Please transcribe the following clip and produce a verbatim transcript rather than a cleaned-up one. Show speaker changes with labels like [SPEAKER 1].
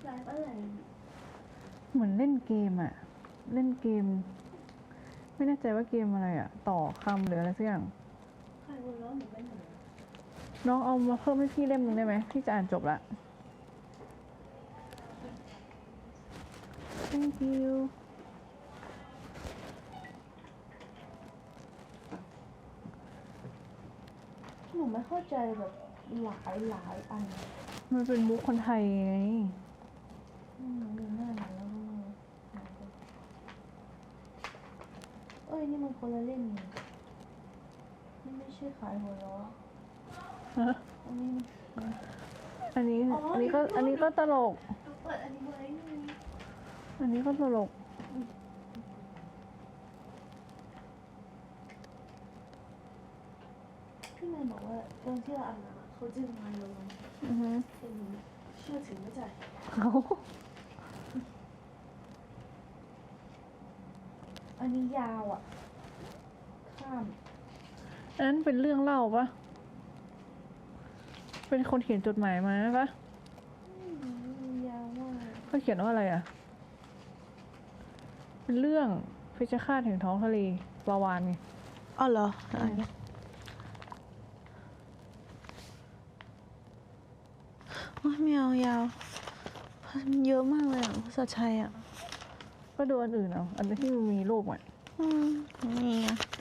[SPEAKER 1] ไลฟ์อะไร
[SPEAKER 2] เหมือนเล่นเกมอะเล่นเกม ไม่แน่ใจว่าเกมอะไรอะต่อคำหรืออะไรสักอย่าง
[SPEAKER 1] ใครคนร้องหนูเป็นหนู
[SPEAKER 2] น้องเอามาเพิ่มให้พี่เล่มหนึงได้ไหมพี่จะอ่านจบละ thank you
[SPEAKER 1] หนูไม่เข้าใจแบบหลายหลายอัน
[SPEAKER 2] มันเป็นมุกคนไทยไง
[SPEAKER 1] อืมดูหน้าหนูแล้วก็เอ้ยนี่มันคนละเล่มนี่นี่ไม่ใช่ขายหัวเราะ
[SPEAKER 2] ฮะ
[SPEAKER 1] อันนี้มัน
[SPEAKER 2] อันนี้
[SPEAKER 1] อ๋ออั
[SPEAKER 2] อันนี้ก็
[SPEAKER 1] อีกรูป
[SPEAKER 2] อันนี้ก็ตลก
[SPEAKER 1] เปิดอันนี้ไว้นี่
[SPEAKER 2] อันนี้ก็ตลก
[SPEAKER 1] พี่แมนบอกว่าตอนที่เราอาบน้ำเขาจึงมาลง
[SPEAKER 2] อือฮึ
[SPEAKER 1] แต่หนูเชื่อถือไม่ใจ
[SPEAKER 2] เขา
[SPEAKER 1] อันนี้ยาวอ่ะ ข้าม
[SPEAKER 2] อันนั้นเป็นเรื่องเล่าปะเป็นคนเขียนจดหมายมาปะ
[SPEAKER 1] อืมยาวมาก
[SPEAKER 2] เขาเขียนว่าอะไรอะเป็นเรื่องเพชฌฆาตแห่งท้องทะเลปลาวาฬไง
[SPEAKER 1] อ๋อเหรอ โอ้ยไม่เอายาวมันเยอะมากเลยอ่ะภาษาไทยอ่ะ
[SPEAKER 2] ก็ดูอันอื่นเอาอันที่มันมีรูปอ่ะ
[SPEAKER 1] อืมนี่อ่ะ